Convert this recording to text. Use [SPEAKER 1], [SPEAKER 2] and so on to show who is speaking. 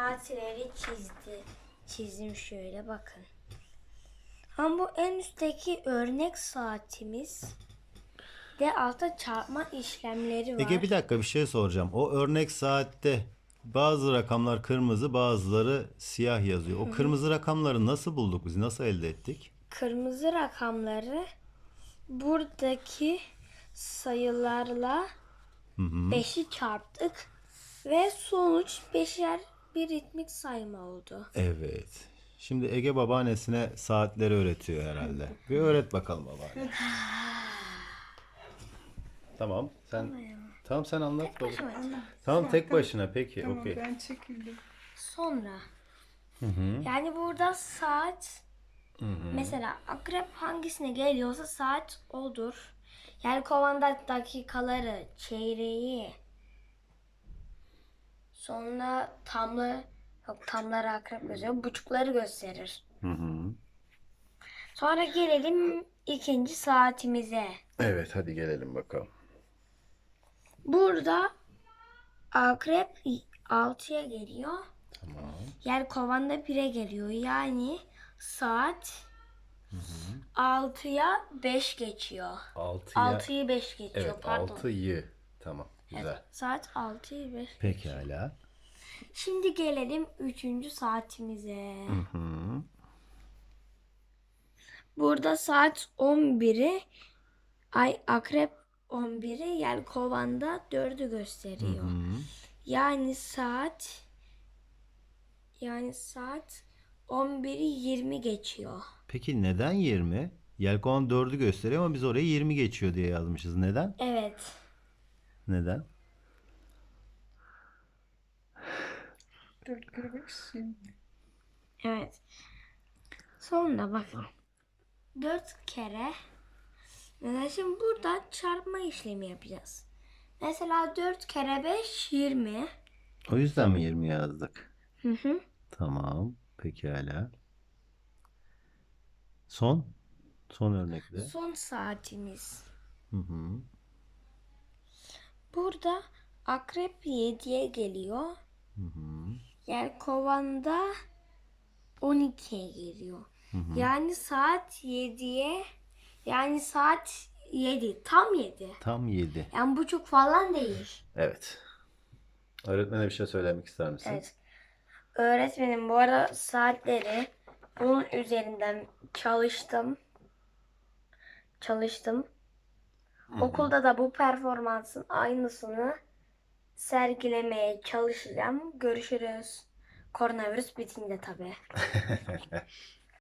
[SPEAKER 1] saatleri çizdim şöyle bakın. Ama bu en üstteki örnek saatimiz de altta çarpma işlemleri var.
[SPEAKER 2] Ege bir dakika bir şey soracağım. O örnek saatte bazı rakamlar kırmızı, bazıları siyah yazıyor. O kırmızı rakamları nasıl bulduk biz? Nasıl elde ettik?
[SPEAKER 1] Kırmızı rakamları buradaki sayılarla 5'i çarptık ve sonuç beşer bir ritmik sayma oldu.
[SPEAKER 2] Evet. Şimdi Ege babaannesine saatleri öğretiyor herhalde. Bir öğret bakalım babaanne. Tamam. Sen anlat baba. Tamam tek başına peki.
[SPEAKER 3] Tamam
[SPEAKER 2] Okey.
[SPEAKER 3] ben çekildim.
[SPEAKER 1] Sonra yani burada saat mesela akrep hangisine geliyorsa saat odur. Yani kovanda dakikaları, çeyreği, sonra tamları akrep gösteriyor, buçukları gösterir. Sonra gelelim ikinci saatimize.
[SPEAKER 2] Evet hadi gelelim bakalım.
[SPEAKER 1] Burada akrep 6'ya geliyor.
[SPEAKER 2] Tamam.
[SPEAKER 1] Kovanda 1'e geliyor. Yani saat 6'ya 5 geçiyor. 6'yı 5 geçiyor.
[SPEAKER 2] Evet
[SPEAKER 1] Pardon.
[SPEAKER 2] 6'yı. Tamam güzel.
[SPEAKER 1] Saat 6'yı 5.
[SPEAKER 2] Pekala.
[SPEAKER 1] Şimdi gelelim 3. saatimize. Burada saat 11'i akrep 11'i kovanda 4'ü gösteriyor. Yani saat 11'i 20 geçiyor.
[SPEAKER 2] Peki neden 20? Yelkovan 4'ü gösteriyor ama biz oraya 20 geçiyor diye yazmışız. Neden?
[SPEAKER 1] Evet.
[SPEAKER 2] Neden?
[SPEAKER 3] 4 şimdi.
[SPEAKER 1] Evet. Sonra bakın. 4 kere. Mesela şimdi burada çarpma işlemi yapacağız. Mesela 4 kere 5 20.
[SPEAKER 2] O yüzden mi 20 yazdık?
[SPEAKER 1] Hı hı.
[SPEAKER 2] Tamam. Pekala. Son örnekte.
[SPEAKER 1] Son saatimiz.
[SPEAKER 2] Hı hı.
[SPEAKER 1] Burada akrep 7'ye geliyor. Kovanda 12'ye geliyor. Yani saat 7'ye saat 7. Tam 7.
[SPEAKER 2] Tam 7.
[SPEAKER 1] Yani buçuk falan değil.
[SPEAKER 2] Evet. Öğretmene bir şey söylemek ister misin?
[SPEAKER 1] Evet. Öğretmenim bu arada saatleri bunun üzerinden çalıştım. Okulda da bu performansın aynısını sergilemeye çalışacağım. Görüşürüz. Koronavirüs bitince tabii.